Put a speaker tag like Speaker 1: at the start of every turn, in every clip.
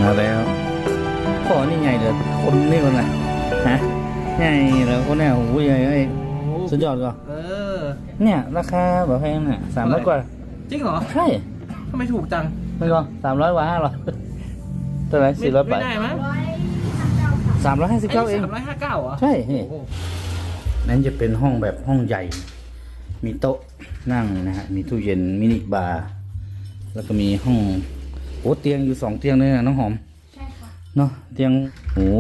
Speaker 1: มาแล้วขอนี่ไงเดี๋ยวคนนี่คนละฮะไงแล้วคนเนี่ยโอ้ยไอ้สุดยอดก็เนี่ยราคาแบบแพงเนี่ย300 กว่า
Speaker 2: จริงเหรอ
Speaker 1: ใช่
Speaker 2: ทำไมถูกจัง
Speaker 1: ไม่ก็300 กว่า500เท่าไหร่400ไป
Speaker 2: ไม่ได้มั้ง
Speaker 1: 359เอง
Speaker 2: 359เหรอ
Speaker 1: ใช่นั่นจะเป็นห้องแบบห้องใหญ่มีโต๊ะนั่งนะฮะมีตู้เย็นมินิบาร์แล้วก็มีห้องโอ้เตียงอยู่2 เตียงเลยนะน้องหอม
Speaker 3: ใช่ค่ะ
Speaker 1: เนาะเตียงโอ้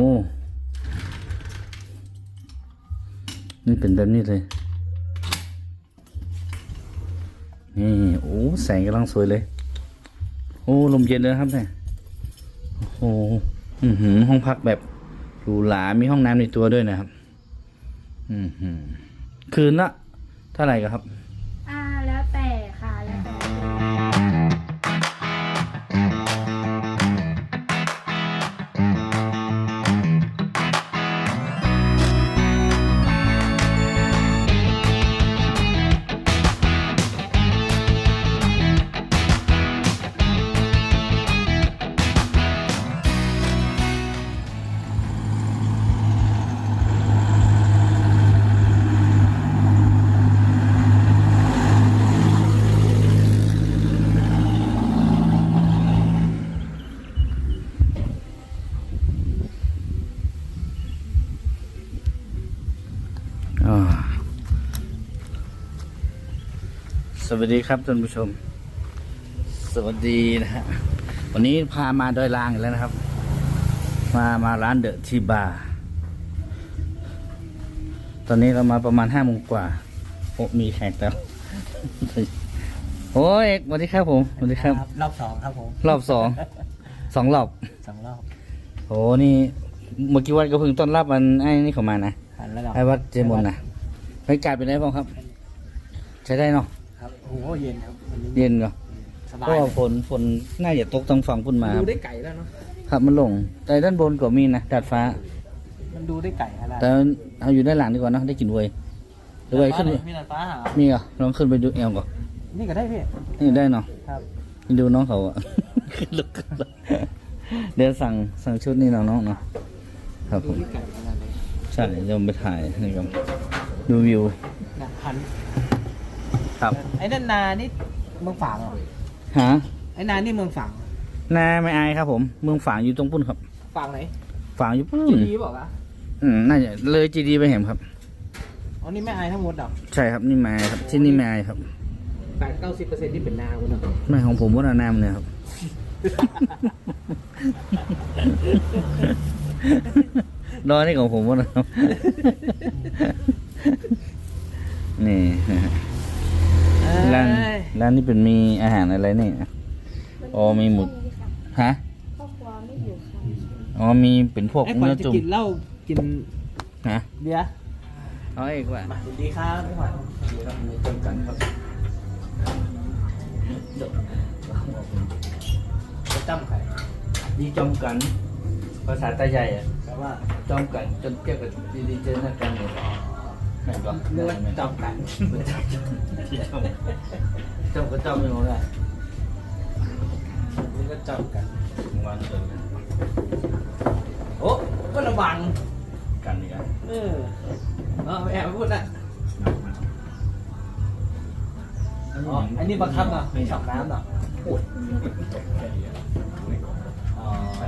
Speaker 1: นี่เป็นแบบนี้เลยนี่โอ้แสงกำลังสวยเลยโอ้ลมเย็นเลยครับเนี่ยโอ้ห้องพักแบบหรูหรามีห้องน้ำในตัวด้วยนะครับคืนละเท่าไหร่กันครับ
Speaker 3: แล้วแต่ค่ะแล้วแต่
Speaker 1: สวัสดีครับท่านผู้ชมสวัสดีนะฮะวันนี้พามาดอยลางอีกแล้วนะครับมาร้านเดอะทีบาร์ตอนนี้เรามาประมาณ5 โมงกว่าโอ้มีแขกแล้วโอ้ยสวัสดีครับผมสวัสดีครับ
Speaker 2: รอบ2ครับผม
Speaker 1: รอบ2 รอบ
Speaker 2: 2 รอบ
Speaker 1: โอ้นี่เมื่อกี้วันก็เพิ่งต้อนรับมันไอ้นี่เข้ามานะไอ้วัดเจมอนนะบรรยากาศเป็นไงบ้างครับใช้ได้เนาะ
Speaker 2: ครับโอ้โหเย็นครับ
Speaker 1: เย็นเหรอ
Speaker 2: สบาย
Speaker 1: เพราะว่าฝนน่าจะตกทางฝั่งพุ่นมา
Speaker 2: ดูได้ไก่แล้วเนาะ
Speaker 1: ครับมันลงแต่ด้านบนก็มีนะดาดฟ้า
Speaker 2: มันดูได้ไก่อะไร
Speaker 1: แต่เอาอยู่ด้านหลังดีกว่านะได้กลิ่นเวยหรือว่าขึ้น
Speaker 2: มีดาดฟ้าหา
Speaker 1: มีเหรอลองขึ้นไปดูเอวก่อน
Speaker 2: นี่ก็ได้พี่
Speaker 1: นี่ได้เนาะ
Speaker 2: ครับ
Speaker 1: ดูน้องเขาอะลุกเดี๋ยวสั่งชุดนี้น้องเนาะครับผมใช่จะไปถ่ายนี่ครับดูวิว
Speaker 2: หัน
Speaker 1: ครับ
Speaker 2: ไอ้นั่นนานี่เมืองฝางเหรอ
Speaker 1: ฮะ
Speaker 2: ไอ้นานี่เมืองฝาง
Speaker 1: นาไม่อายครับผมเมืองฝางอยู่ตรงปุ้นครับ
Speaker 2: ฝางไหน
Speaker 1: ฝางอยู่ปุ้น
Speaker 2: จีดีบอกอ่ะ
Speaker 1: น่าจะเลยจีดีไปเห็นครับ
Speaker 2: อ๋อนี่ไม่อายทั้งหมดหรอ
Speaker 1: ใช่ครับนี่ไม่อายครับที่นี่ไม่อายครับ
Speaker 2: 80-90%ที่เป็นนาคุณเนาะ
Speaker 1: ไม่ของผมว่านาเนี่ยครับรอนี่ของผมว่านะครับนี่ร้านนี้เป็นมีอาหารอะไรนี่อ๋อมีหมูฮะ
Speaker 3: ครอบครัวไม่อยู่ค่ะ
Speaker 1: อ๋อมีเป็นพวก
Speaker 2: เนื้อจุ่มกินเหล้ากิน
Speaker 1: ฮะ
Speaker 2: เบียร์
Speaker 1: เอาอีกว่า
Speaker 2: สวัสดีครับพี่ขวัญ
Speaker 1: ดีครับมีจำกันครับ
Speaker 2: จำใคร
Speaker 1: ดีจำกันภาษาใต้ใหญ่อะ
Speaker 2: แปลว่า
Speaker 1: จำกันจนเกี่ยวกับดีเจนักกันเลยแม่นปะ
Speaker 2: เนื้อจำกัน
Speaker 1: จำก็จำไม่รู้แหละ
Speaker 2: นี่ก็จำกัน
Speaker 1: วันเกิดกัน
Speaker 2: โอ้ก็ระวัง
Speaker 1: กันอีกแล้ว
Speaker 2: ไม่แอบพูดนะอ๋ออันนี้บังคับเนาะไม่ฉับน้ำเนาะโอ้ยอ๋อ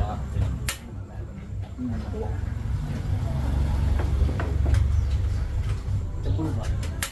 Speaker 2: จะพูดหรอ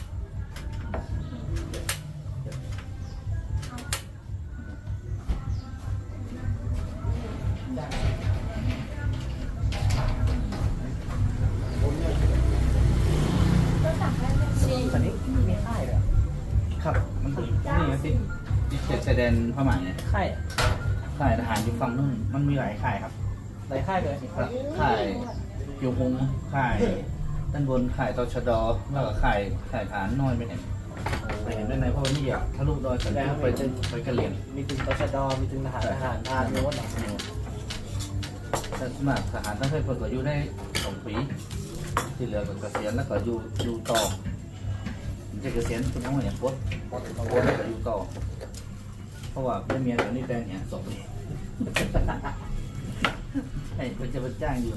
Speaker 2: ตอนนี้มีค่ายเลย
Speaker 1: ครับมันนี่สิดิเขตชายแดนพม่าเนี่ยค่ายทหารอยู่ฝั่งนู้นมันมีหลายค่ายครับ
Speaker 2: หลายค่ายเลย
Speaker 1: ค่ายยูฮงค่ายด้านบนค่ายตชดแล้วก็ค่ายทหารน้อยไปเห็นด้านในเพราะนี่อ่ะทะลุดอยสันติไปกะเหรี่ยง
Speaker 2: มีถึงตชดมีถึงทหารพานโน้น
Speaker 1: แต่สมัครทหารต้องเคยฝึกอยู่ได้2 ปีที่เหลือก็เกษียณแล้วก็อยู่ต่อจะเกษียณคุณน้องอย่างโคตรแล้วก็อยู่ต่อเพราะว่าไม่มีอะไรนี่แต่เนี่ย2 ปีใช่เขาจะมาจ้างอยู่นะ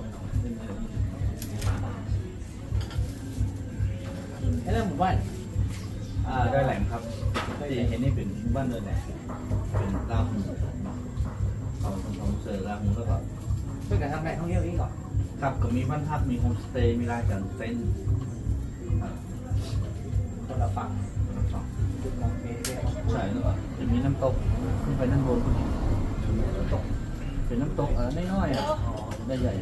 Speaker 2: ไอ้เรื่องหมู่บ้าน
Speaker 1: ได้แหลมครับที่เห็นนี่เป็นบ้านเลยแหละเป็นลาหูเขาทำเสือลาหูแล้วก็
Speaker 2: ช่วยกันทำแหล่งท่องเที่ยวนี้ก่อน
Speaker 1: ครับก็มีบ้านพักมีโฮมสเตย์มีร้านกางเต็นท์
Speaker 2: คนละฝั่งจุดมองเมฆด้วย
Speaker 1: ใช่แล้วก็จะมีน้ำตกขึ้นไปด้านบนน้ำตกเป็นน้ำตกน้อยๆอ่ะได้ใหญ่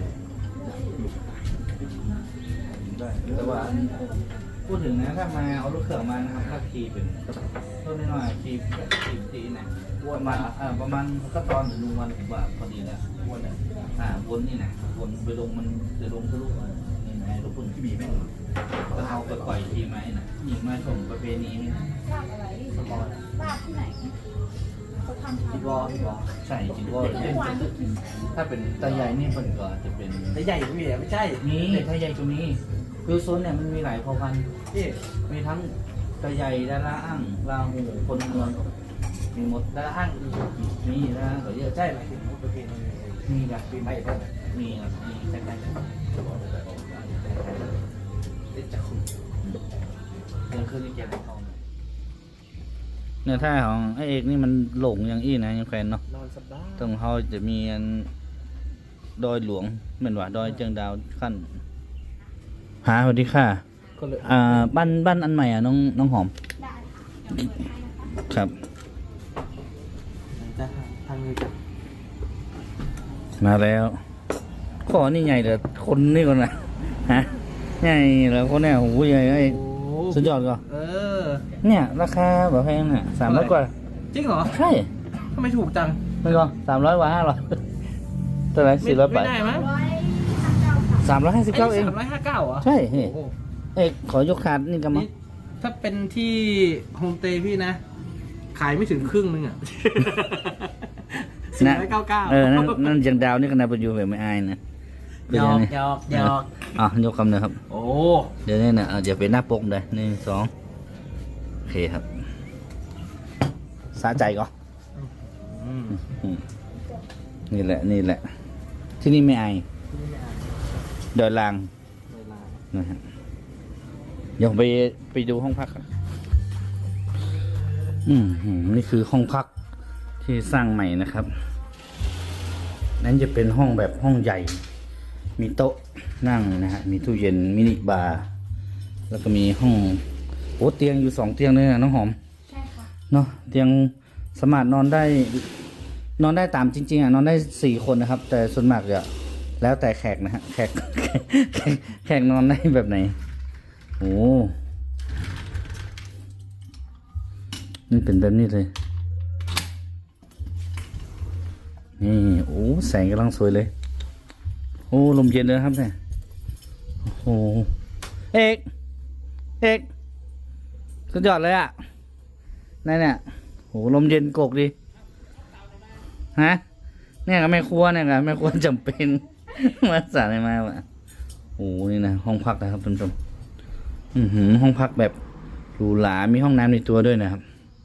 Speaker 1: ได้แต่ว่าพูดถึงนะถ้ามาเอารถเครื่องมานะครับถ้าขี่เป็นต้นน้อยๆขี่นะประมาณก็ตอนหรือลุงวันผมว่าพอดีแล้ววนเนี่ยวนนี่นะวนไปลงมันจะลงทะลุนี่นะรถพุ่นที่มีแม่งก็เอาไปปล่อยทีไหมนะยิงมาชมประเพณีนี่นะ
Speaker 3: ลาบอะไร
Speaker 2: สมอล
Speaker 3: ลาบที่ไหนเขาทำ
Speaker 2: อีบออีบอ
Speaker 1: ใช่จริงว่า
Speaker 3: เมื่อวานก็กิน
Speaker 1: ถ้าเป็นตาใหญ่นี่มันก็จะเป็น
Speaker 2: แต่ใหญ่กว่าพี่ไม่ใช่
Speaker 1: มีตาใหญ่ตรงนี้คือโซนเนี่ยมันมีหลายเผ่าพันธุ์
Speaker 2: พี่
Speaker 1: มีทั้งตาใหญ่ดาราอ่างลาหูคนเมืองมีหมด
Speaker 2: ดาราห้างอี
Speaker 1: มีนะก็เยอะ
Speaker 2: ใช่หมายถึงประเพณี
Speaker 1: มีนะ
Speaker 2: ปีใหม่เพิ่ม
Speaker 1: มีครับมีใกล้ๆกัน
Speaker 2: เด็กจะคุย
Speaker 1: เดินขึ้นที่เกียรติทองเนี่ยท่าของไอเอกนี่มันหลงอย่างอี้นะยังแฟนเนาะ
Speaker 2: นอนสบาย
Speaker 1: ตรงเขาจะมีอันดอยหลวงเหมือนว่าดอยเจียงดาวขั้นหาสวัสดีค่ะ
Speaker 2: ก็เลย
Speaker 1: บ้านอันใหม่อ่ะน้องหอม
Speaker 3: ได้ค่ะเดี๋ยวเปิดให้นะคะ
Speaker 1: ครับ
Speaker 2: จะทางนี้จะ
Speaker 1: มาแล้วข้อนี่ใหญ่แต่คนนี่ก่อนนะฮะใหญ่แล้วคนเนี่ยโอ้โหใหญ่ไอ้
Speaker 2: โอ้
Speaker 1: สุดยอดก็ เนี่ยราคาแบบแพงอ่ะ300 กว่า
Speaker 2: จริงเหรอ
Speaker 1: ใช่
Speaker 2: ทำไมถูกจัง
Speaker 1: ไม่ก็300 กว่า500เท่าไหร่400 บาท
Speaker 2: ไม่ได้มั้ย
Speaker 3: 159ค่ะ
Speaker 1: 359เอง
Speaker 2: 359เหรอ
Speaker 1: ใช่นี่
Speaker 2: โอ้โห
Speaker 1: เอกขอยกขาดนี่กันมั้ง
Speaker 2: นี่ถ้าเป็นที่โฮมสเตย์พี่นะ ขายไม่ถึงครึ่งนึงอ่ะ 499
Speaker 1: นั่นเจียงดาวนี่ก็นาไปอยู่แบบไม่อายนะ
Speaker 2: หยอกหยอกหยอก
Speaker 1: ยกคำเลยครับ
Speaker 2: โอ้
Speaker 1: เดี๋ยวนี้นะเดี๋ยวเป็นหน้าปกเลย1 2โอเคครับสะใจก็
Speaker 2: อืม
Speaker 1: นี่แหละที่นี่ไม่อายดอยลาง
Speaker 2: เวลา
Speaker 1: นะฮะเดี๋ยวไปดูห้องพักกันนี่คือห้องพักที่สร้างใหม่นะครับนั้นจะเป็นห้องแบบห้องใหญ่ มีโต๊ะนั่งนะฮะมีตู้เย็นมินิบาร์แล้วก็มีห้องเตียงอยู่2 เตียงเลยนะน้องหอม
Speaker 3: ใช่ค่ะ
Speaker 1: เนาะเตียงสามารถนอนได้ตามจริงๆนอนได้4 คนนะครับ แต่ส่วนมากจะแล้วแต่แขกนะฮะแขกนอนได้แบบไหนโอ้นี่เป็นแบบนี้เลยนี่โอ้แสงกำลังสวยเลยโอ้ลมเย็นเลยครับเนี่ยโอ้เอกสุดยอดเลยอ่ะนั่นเนี่ยโอ้ลมเย็นกกดีฮะเนี่ยกับแม่ครัวเนี่ยกับแม่ครัวจำเป็น มาสั่งอะไรมาว่ะโอ้นี่นะห้องพักนะครับท่านผู้ชมห้องพักแบบหรูหรามีห้องน้ำในตัวด้วยนะครับ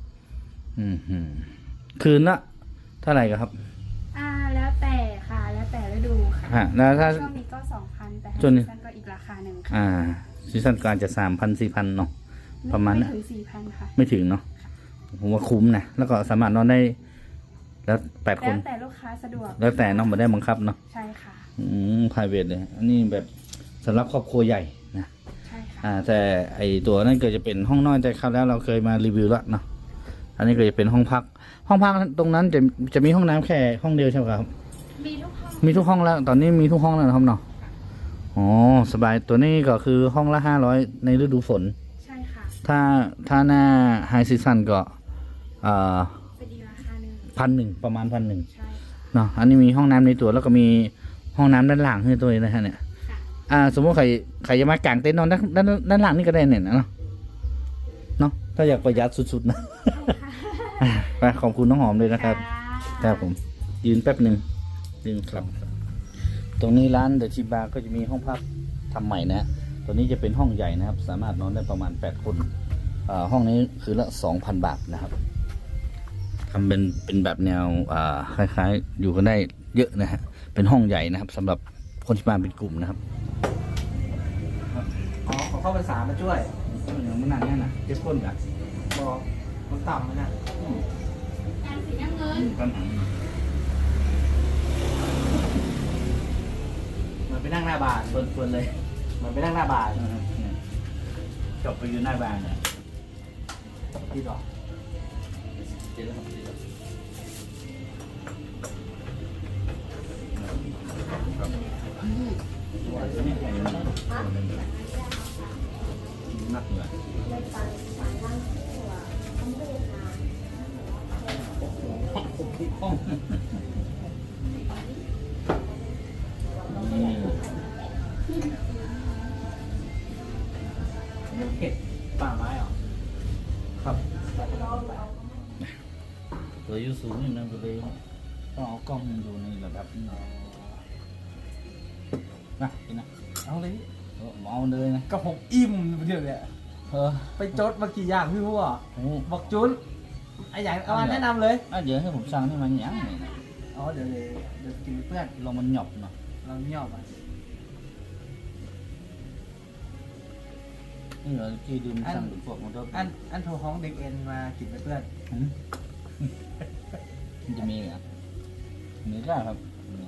Speaker 1: คืนละเท่าไหร่ครับ
Speaker 3: แล้วแต่ค่ะ แล้วแต่ฤดูค่ะ
Speaker 1: แล้วถ้า
Speaker 3: ช่วงนี้ก็ 2,000 แต่ถ้า
Speaker 1: ช่วงนี้
Speaker 3: ซีซั่นก็อีกราคาหนึ่งค่ะ
Speaker 1: ซีซั่นกลางจะ3,000-4,000เนาะ ประมาณ
Speaker 3: ไม่
Speaker 1: น่ะ
Speaker 3: ถึง 4,000 ค่ะ
Speaker 1: ไม่ถึงเนาะผมว่าคุ้มนะแล้วก็สามารถนอนได้แล้ว8 คน
Speaker 3: แล้วแต่ลูกค้าสะดวก
Speaker 1: แล้วแต่น้องมาได้บังคับเนาะ
Speaker 3: ใช่ค่ะ
Speaker 1: private เลยอันนี้แบบสำหรับครอบครัวใหญ่นะ
Speaker 3: ใช่ค่ะ
Speaker 1: แต่ไอตัวนั่นก็จะเป็นห้องนอนแต่คราวแล้วเราเคยมารีวิวแล้วเนาะอันนี้ก็จะเป็นห้องพักตรงนั้นจะมีห้องน้ำแค่ห้องเดียวใช่ไหมครับ
Speaker 3: มีทุกห้อง
Speaker 1: มีทุกห้องแล้วตอนนี้มีทุกห้องแล้วนะครับเนาะอ๋อสบายตัวนี้ก็คือห้องละ500ในฤดูฝน
Speaker 3: ใช่ค่ะ
Speaker 1: ถ้าหน้าไฮซีซันก็
Speaker 3: เป็นอีกราคาหนึ่ง
Speaker 1: 1,000ประมาณ1,000
Speaker 3: ใช่
Speaker 1: เนาะอันนี้มีห้องน้ำในตัวแล้วก็มีห้องน้ำด้านหลังให้ตัวนี้นะฮะเนี่ย
Speaker 3: ค่ะ
Speaker 1: สมมติใครจะมากางเต็นท์นอนด้านหลังนี่ก็ได้เนี่ยเนาะถ้าอยากประหยัดสุดๆนะ ไปขอบคุณน้องหอมเลยนะครับครับผมยืนแป๊บหนึ่งครับ ตรงนี้ร้านเดอะชิบาก็จะมีห้องพักทำใหม่นะตัวนี้จะเป็นห้องใหญ่นะครับ สามารถนอนได้ประมาณ8 คนห้องนี้คือละ 2,000 บาทนะครับทำเป็นแบบแนวคล้ายๆอยู่กันได้เยอะนะฮะเป็นห้องใหญ่นะครับสำหรับคนที่มาเป็นกลุ่มนะครับ
Speaker 2: อ๋อเขาเข้าภาษามาช่วย
Speaker 1: อย่างมันนั่งเนี่ยนะเจ็บก้นกัน
Speaker 2: บอกมันต่ำมันน่ะ
Speaker 3: สีน้ำเงิน
Speaker 1: ปัญหา
Speaker 2: มันไปนั่งหน้าบาน
Speaker 1: ส่วนเลย
Speaker 2: มันไปนั่งหน้าบาน
Speaker 1: จบไปอยู่หน้าบ้านเนี่ย
Speaker 2: ที่ดอก
Speaker 1: เจ็บแล้วครับเจ็บแล้วนักเหนื่อย
Speaker 2: เห็ดป่าไม้เหรอครับ
Speaker 1: ตัวอยู่สูงอยู่นั่นก็เลยต้องเอากล้องดูในระดับนี้นะกินนะ
Speaker 2: เอาเลย
Speaker 1: เอาเลยนะ
Speaker 2: ก็ผมอิ่มเดียวเนี่ย ไปจดมากี่อย่างพี่พูดอ่ะ
Speaker 1: โอ้
Speaker 2: บอกจุนไอ้อย่างเอามาแนะนำเลย
Speaker 1: เดี๋ยวให้ผมสั่งนี่มันยังไงนะ
Speaker 2: อ๋อเดี๋ยวกินเพื่อน
Speaker 1: ลองมันหยอบหน่อย
Speaker 2: เราไม่ยอมอ่ะ
Speaker 1: นี่เหรอที่ดื่มสั่งหรือพวกมันก็
Speaker 2: อันโทรห้องเด็กเอ็นมากินไปเพื่อน
Speaker 1: มันจะมีเหรอมีได้ครับ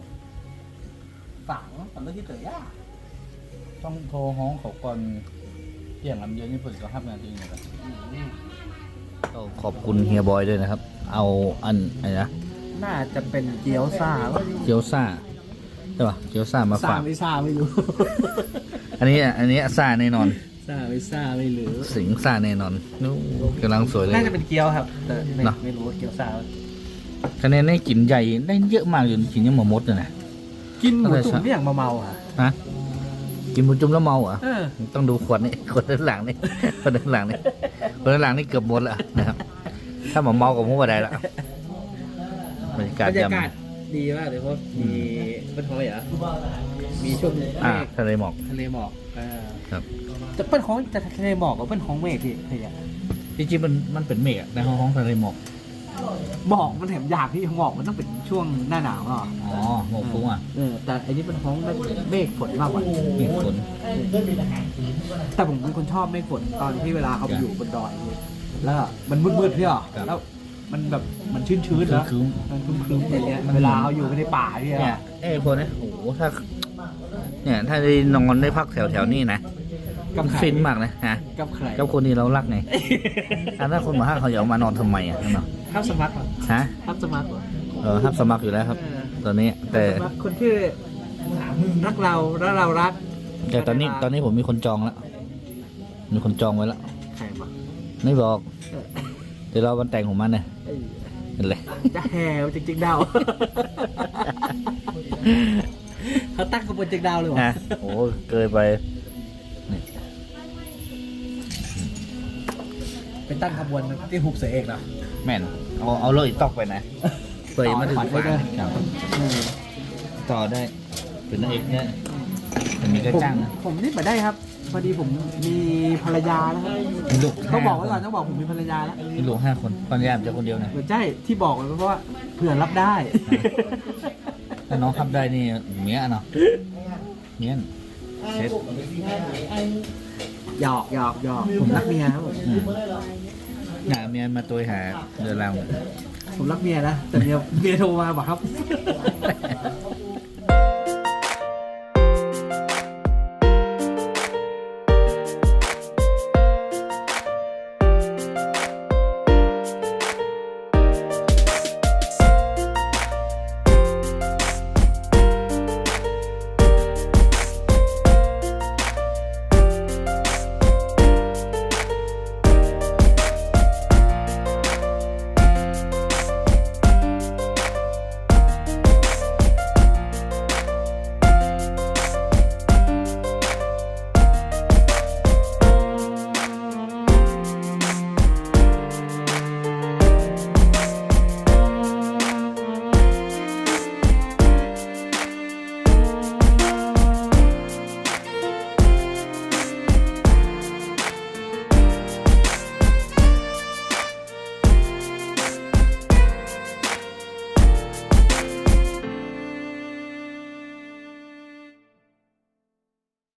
Speaker 2: ฝังฝังเรื่องที่เต๋อย่า
Speaker 1: ต้องโทรห้องเขาก่อนเที่ยงลำเย็นนี่เปิดก็5 นาทีนะครับก็ขอบคุณเฮียบอยด้วยนะครับ เอาอันอะไรนะ
Speaker 2: น่าจะเป็นเกี๊ยวซ่า
Speaker 1: เกี๊ยวซ่าใช่ป่ะเกี๊ยวซ่ามา
Speaker 2: ซ่า
Speaker 1: ฝาก
Speaker 2: ไม่ซ่าไม่รู้
Speaker 1: อันนี้ซ่าแน่นอน
Speaker 2: ซ่าไม่ซ่าไม่รู้
Speaker 1: สิงซ่าแน่นอนนู้กำลังสวยเลย
Speaker 2: น่าจะเป็นเกี๊ยวครับแต่
Speaker 1: เนอะ
Speaker 2: ไม่รู้ว่าเกี๊ยวซ่า
Speaker 1: คะแนนได้กลิ่นใหญ่ได้เยอะมากอยู่กินยังหมดเลยนะ
Speaker 2: กินหมูจุ่มนี่อย่างเมาๆอ่ะ
Speaker 1: ฮะกินหมูจุ่มแล้วเมาเหรอ่ะ
Speaker 2: เออ
Speaker 1: ต้องดูขวดนี่ขวดด้านหลังนี่ขวดด้านหลังนี่ขวดด้านหลังนี่เกือบหมดแล้วนะครับ ถ้าหมอเมากับผมว่าได้ละบรรยากาศ
Speaker 2: บรร
Speaker 1: ย
Speaker 2: ยากาศดีมากเลยเพราะมีเป็นท้องเหรอมีช่วง
Speaker 1: ทะเลหมอก
Speaker 2: ทะเลหมอกอ่า
Speaker 1: ครับ
Speaker 2: แต่เป็นของแต่ทะเลหมอกกับเป็นของเมฆพี่เฮีย
Speaker 1: จริงๆมันเป็นเมฆอะในห้องทะเลหมอก
Speaker 2: หมอกมันแถมยากที่หมอกมันต้องเป็นช่วงหน้าหนาวอ่ะ
Speaker 1: อ๋อหมอกฟุ้งอ่ะ
Speaker 2: แต่อันนี้เป็นท้องเมฆฝนมากกว่า
Speaker 1: เมฆฝน
Speaker 2: แต่ผมเป็นคนชอบเมฆฝนตอนที่เวลาเขาไปอยู่บนดอยนี่แล้วมันมืดๆพี่อ่ะแล้วมันแบบมันชื้นๆแล้ว
Speaker 1: คือ
Speaker 2: มันครึ้มๆอย่างเงี้ยเวลาเขาอยู่ในป่าพี่
Speaker 1: เนี่ย
Speaker 2: อ่ะ
Speaker 1: พวกนี้โอ้โหถ้าได้นอนได้พักแถวนี้นะ
Speaker 2: กับใคร
Speaker 1: ฟินมากนะฮะ
Speaker 2: กับใคร
Speaker 1: กับคนที่เรารักไงถ้าคนมาห้าเขาจะเอามานอนทำไมอ่ะเนาะ
Speaker 2: ทับสมัครเหรอ
Speaker 1: ฮะ
Speaker 2: ทับสมัครเหรอ
Speaker 1: ครับสมัครอยู่แล้วครับ ตอนนี้แต่
Speaker 2: สมัครคนที่รักเราแล้วเรารัก
Speaker 1: แต่ตอนนี้ผมมีคนจองแล้วมีคนจองไว้แล้ว
Speaker 2: ใครมา
Speaker 1: ไม่บอกเดี๋ยวเราวันแต่งของมันเนี่ยเป็นไร
Speaker 2: จะแหวจริงๆดาวเขาตั้งขบวนจริงดาวเลยวะ
Speaker 1: ฮะโอ้เกินไปนี่
Speaker 2: ไปตั้งขบวนที่หุบเสเอกเหรอ
Speaker 1: แม่นเอาเลยตอกไปนะเปิดมาถึง
Speaker 2: ต่อ
Speaker 1: ฝัน
Speaker 2: ได้ด้วย
Speaker 1: ครับต่อได้เป็นนางเอกเนี่ยแต่มีก็จ้างนะ
Speaker 2: ผมนี่มาได้ครับ พอดีผมมีภรรยาแล้วครับ
Speaker 1: มีลูก
Speaker 2: ต้องบอกไว้ก่อนต้องบอกผมมีภรรยาแล้ว
Speaker 1: มีลูก5 คนปัญญาจะคนเดียวนะ
Speaker 2: เหมือนใช่ที่บอกไว้เพราะว่าเผื่อรับได้
Speaker 1: ถ้าน้องขับได้นี่เมียเนาะเมียนเซ็ต
Speaker 2: หยอกผมรักเมียครับผม
Speaker 1: เมียมาตัวหาเดือนเรา
Speaker 2: ผมรักเมียนะแต่เมียโทรมาบอกครับ